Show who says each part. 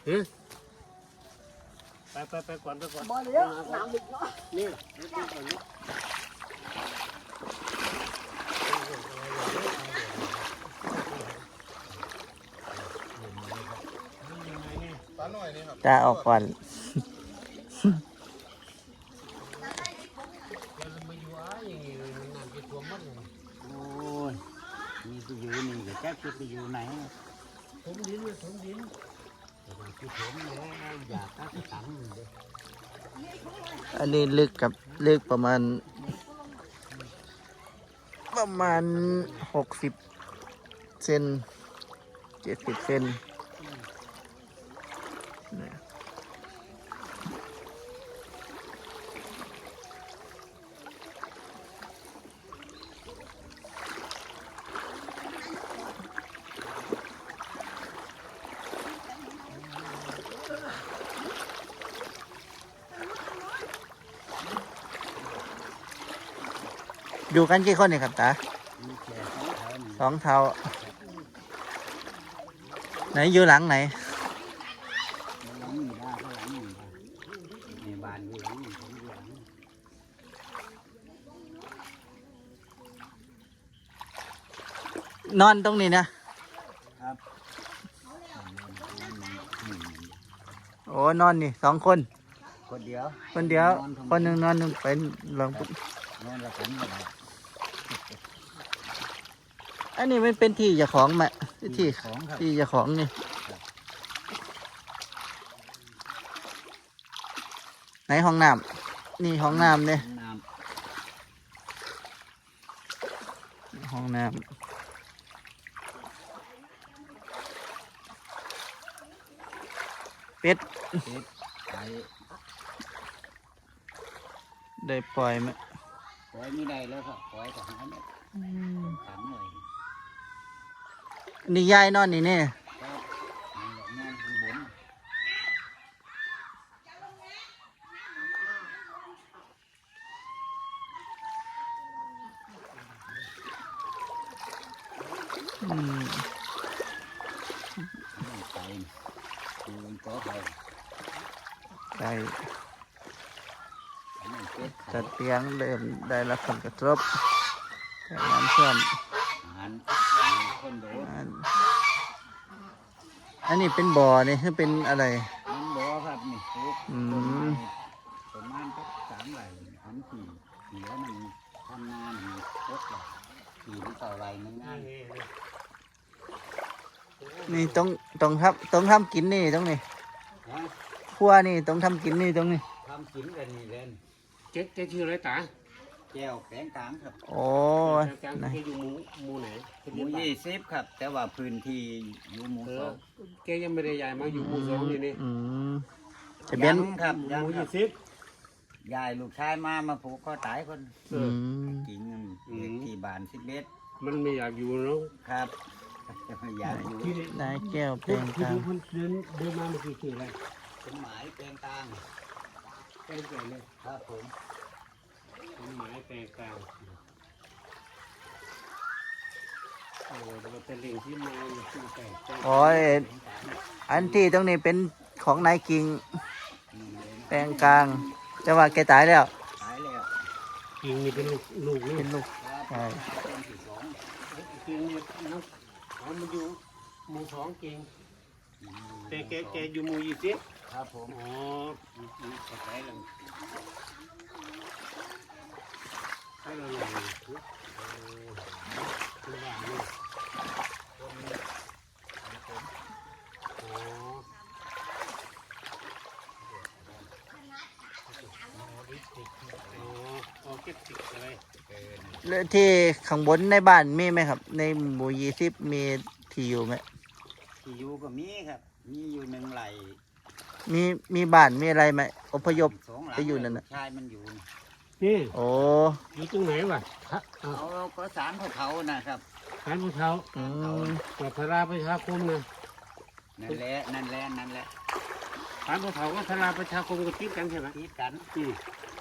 Speaker 1: ไปก่อน
Speaker 2: บ่เลี้ยงน้ำลึกเนาะ
Speaker 1: นี่ก่อนนี่
Speaker 3: ตาหน่อยนี่ครับ
Speaker 4: ตาออกก่อน
Speaker 5: โอ้ยมีไปอยู่นี่ก็แจ๊บจะไปอยู่ไหน
Speaker 1: ผมดินแต่บางทีผมแล้วอยากก็จะตังเลย
Speaker 4: อันนี้ลึกประมาณ60 เซน70 เซนเนี่ยอยู่กันกี่คนเนี่ยครับตา
Speaker 5: มีแค่2
Speaker 4: 2 เท่าไหนอยู่หลังไหน
Speaker 5: หลังนี่ได้ข้างหลังนี่ได้ในบ้านอยู่หลังนี่ผมอยู่หลัง
Speaker 4: นอนตรงนี้นะครับ โอ้นอนนี่2 คน
Speaker 5: คนเดียว
Speaker 4: คนเดียว
Speaker 5: นอนทำไม
Speaker 4: คนหนึ่งนอนหนึ่งเป็นหลัง
Speaker 5: นอนละกันไม่ได้
Speaker 4: อันนี้มันเป็นที่เจ้าของไหมที่
Speaker 5: ของครับ
Speaker 4: ที่เจ้าของนี่ไหนห้องน้ำนี่ห้องน้ำเนี่ย
Speaker 5: น้
Speaker 4: ห้องน้ำเป็ด
Speaker 5: ำเป็ดไก่
Speaker 4: ได้ปล่อยไหม
Speaker 5: ปล่อยไม่ได้แล้วครับปล่อยก็หาเนี่ยขังเลย
Speaker 4: นี่ยายนอนนี่เนี่ย
Speaker 5: ครับนอนข้างบน
Speaker 4: อืม
Speaker 5: ไก่คือตัวไก่
Speaker 4: ได้
Speaker 5: อันนั้นเป็ดไข่
Speaker 4: จัดเตียงเริ่มได้รับผลกระทบจากน้ำท่วม
Speaker 5: อาหารคนโดด
Speaker 4: อันนี้เป็นบ่อนี่คือเป็นอะไร
Speaker 5: มันบ่ครับนี่ปลูก
Speaker 4: อืม
Speaker 5: ประมาณสัก3 ไร่อันที่เหลือมันทำนาหนึ่ง6 ไร่4 หรือ 9 ไร่มันง่าย
Speaker 4: นี่ต้องทำกินนี่ตรงนี้
Speaker 5: ฮะ
Speaker 4: ครัวนี่ต้องทำกินนี่ตรงนี้
Speaker 5: ทำกินกันนี่เล่น
Speaker 1: เจ๊ชื่ออะไรตา
Speaker 5: แก้วแกงกลางครับ
Speaker 4: โอ้ย
Speaker 1: การ
Speaker 4: นะ
Speaker 1: แกอยู่หมู่ไหน
Speaker 5: หมู20ครับ แต่ว่าพื้นที่อยู่หมูสอง
Speaker 1: แกยังไม่ได้ย้ายมาอยู่หมู่2นี่
Speaker 4: อืมทะเบียน
Speaker 5: ยังครับ
Speaker 1: ห
Speaker 5: ยัง
Speaker 1: มู่
Speaker 5: ครับ
Speaker 1: 20
Speaker 5: ยายลูกชายมาผูกคอตายคน
Speaker 4: อืม
Speaker 5: กิ่งเงินเด็กที่บ้าน11
Speaker 1: มันไม่อยากอยู่เนาะ
Speaker 5: ครับอยากอยู่
Speaker 1: ที่
Speaker 4: นายแก้วเพลง
Speaker 1: ที่
Speaker 4: กลาง
Speaker 1: ดูเดินมาเมื่อกี้คืออะไร
Speaker 5: สมหมายแปลงกลาง
Speaker 1: แกงไก่เลย
Speaker 5: ครับผม
Speaker 1: เป็นหมายแปลงกลางโอ้เราเป็นเรื่องที่มาขึ้นไก่แกง
Speaker 4: โอ้ยอันที่ตรงนี้เป็นของนายกิ่ง
Speaker 5: นี่เลย
Speaker 4: แปลงกลางแต่ว่าแกตายแล้ว
Speaker 5: ตายแล้ว
Speaker 1: กิ่งนี่เป็นลูกนี่
Speaker 4: เป็นลูก
Speaker 5: ครับ
Speaker 4: ใช่
Speaker 5: ต้นที่2
Speaker 1: กิ่งนี่น้องเขามาอยู่หมู่2กิ่งแต่แกอยู่หมู่20
Speaker 5: ครับผม
Speaker 1: อ๋อเข้าใจแล้วให้เราอย่างนี้เป็นบ้านนี่อ๋ออ๋อเก็บติดอะไร
Speaker 4: แล้วที่ข้างบนในบ้านมีไหมครับ ในหมู่20มีที่อยู่ไหม
Speaker 5: ที่อยู่ก็มีครับ มีอยู่1 ไร่
Speaker 4: มีบ้านมีอะไรไหมอพยพ
Speaker 5: 2 หลัง
Speaker 4: ไปอยู่นั่นน่ะ
Speaker 5: ลูกชายมันอยู่นี่
Speaker 1: นี่
Speaker 4: โอ้
Speaker 1: อยู่ตรงไหนวะเอา
Speaker 5: เขาก็สารเขานะครับ
Speaker 1: ขานภูเขา
Speaker 4: อืม
Speaker 1: กับพราประชาคมนะ
Speaker 5: นั่นแหละ
Speaker 1: ขานภูเขาก็พราประชาคมก็ติดกันใช่ไหม
Speaker 5: ติดกัน
Speaker 1: อืม